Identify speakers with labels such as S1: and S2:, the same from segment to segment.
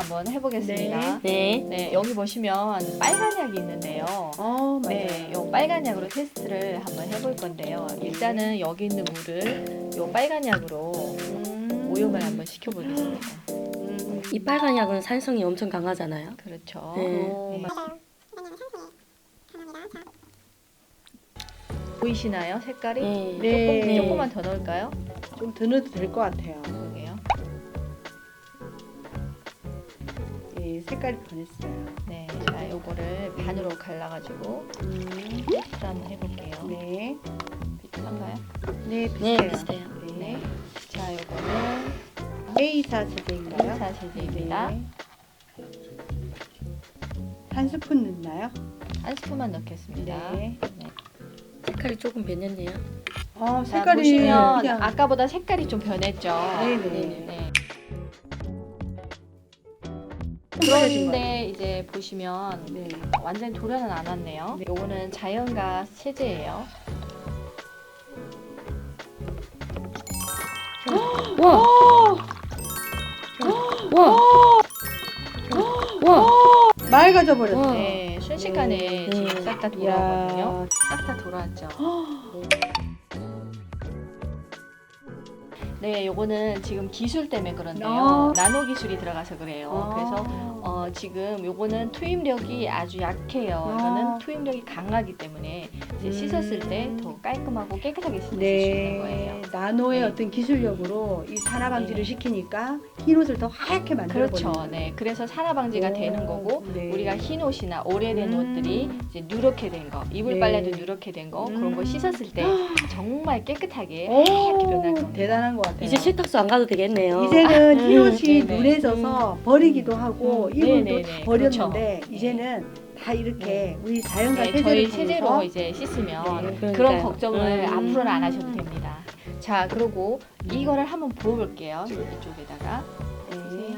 S1: 한번 해보겠습니다.
S2: 네.
S1: 네, 여기 보시면 빨간 약이 있는데요.
S2: 맞아요.
S1: 네, 요 빨간 약으로 테스트를 한번 해볼 건데요. 일단은 여기 있는 물을 요 빨간 약으로 오염을 한번 시켜보겠습니다.
S2: 이 빨간 약은 산성이 엄청 강하잖아요.
S1: 그렇죠.
S2: 네.
S1: 네. 보이시나요? 색깔이?
S2: 네.
S3: 네.
S1: 조금만 더 넣을까요?
S3: 좀 더 넣어도 될 것 같아요.
S1: 그러게요.
S3: 예, 색깔이 변했어요.
S1: 네, 자, 요거를 반으로 갈라가지고 테스트 한번 해볼게요.
S3: 네.
S1: 비슷한가요?
S3: 네,
S2: 네,
S3: 비슷해요.
S2: 비슷해요.
S1: 네. 자, 요거는
S3: A4 세제인가요?
S1: A4 세제입니다.
S3: 네. 한 스푼 넣나요?
S1: 한 스푼만 넣겠습니다.
S3: 네.
S1: 네.
S2: 색깔이 조금 변했네요.
S1: 자,
S3: 색깔이
S1: 보시면
S3: 그냥
S1: 아까보다 색깔이 좀 변했죠.
S3: 네네.
S1: 네.
S3: 흐려진
S1: 그런데 이제 보시면
S3: 네.
S1: 완전히 도려는 안 왔네요.
S3: 네.
S1: 요거는 자연가스 세제예요.
S2: 와! 와! 와!
S3: 맑아져 버렸어요.
S2: 와.
S1: 네, 순식간에
S2: 네.
S1: 지금 싹 다 돌아오거든요.
S3: 이야.
S1: 싹 다 돌아왔죠. 네, 요거는 지금 기술 때문에 그런데요. 나노 기술이 들어가서 그래요. 그래서 지금 요거는 투입력이 아주 약해요. 이거는 투입력이 강하기 때문에 이제 씻었을 때 더 깔끔하고 깨끗하게 씻을 수 있는 거예요.
S3: 네, 나노의
S1: 네.
S3: 어떤 기술력으로 이 산화 방지를
S1: 네.
S3: 시키니까 흰 옷을 더 하얗게 만들어
S1: 그렇죠.
S3: 버리는
S1: 네, 그래서 산화 방지가
S3: 오,
S1: 되는 거고
S3: 네.
S1: 우리가 흰 옷이나 오래된 옷들이 이제 누렇게 된 거, 이불
S3: 네.
S1: 빨래도 누렇게 된 거 그런 거 씻었을 때 정말 깨끗하게
S3: 오,
S1: 하얗게 변할 겁니다.
S3: 대단한 것 같아요.
S2: 이제 세탁소 안 가도 되겠네요.
S3: 이제는 흰 옷이
S1: 네네.
S3: 눈에져서 버리기도 하고 이불도
S1: 네네네.
S3: 다 버렸는데
S1: 그렇죠.
S3: 이제는 다 이렇게
S1: 네.
S3: 우리 자연과
S1: 네,
S3: 세제를
S1: 저희
S3: 통해서
S1: 세제로 이제 씻으면
S3: 네,
S1: 그런
S2: 그러니까요.
S1: 걱정을 앞으로는 안 하셔도 됩니다. 자, 그리고 이거를 한번 부어볼게요. 이쪽에다가. 보세요.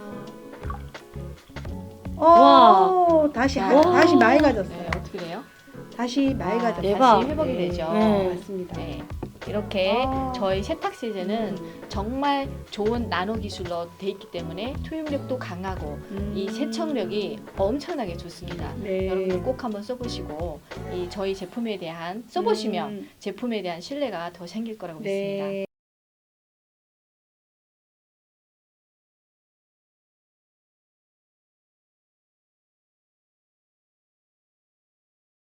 S3: 다시
S2: 와.
S3: 다시 맑아졌어요.
S1: 네, 어떻게 돼요?
S3: 다시 맑아졌어요.
S2: 대박.
S1: 다시 회복이
S3: 네.
S1: 되죠.
S2: 네.
S3: 맞습니다.
S1: 네. 이렇게
S3: 아.
S1: 저희 세탁 세제는 정말 좋은 나노 기술로 돼 있기 때문에 투입력도 강하고 이 세척력이 엄청나게 좋습니다.
S3: 네.
S1: 여러분들 꼭 한번 써보시고 이 저희 제품에 대한 써보시면 제품에 대한 신뢰가 더 생길 거라고 믿습니다.
S3: 네.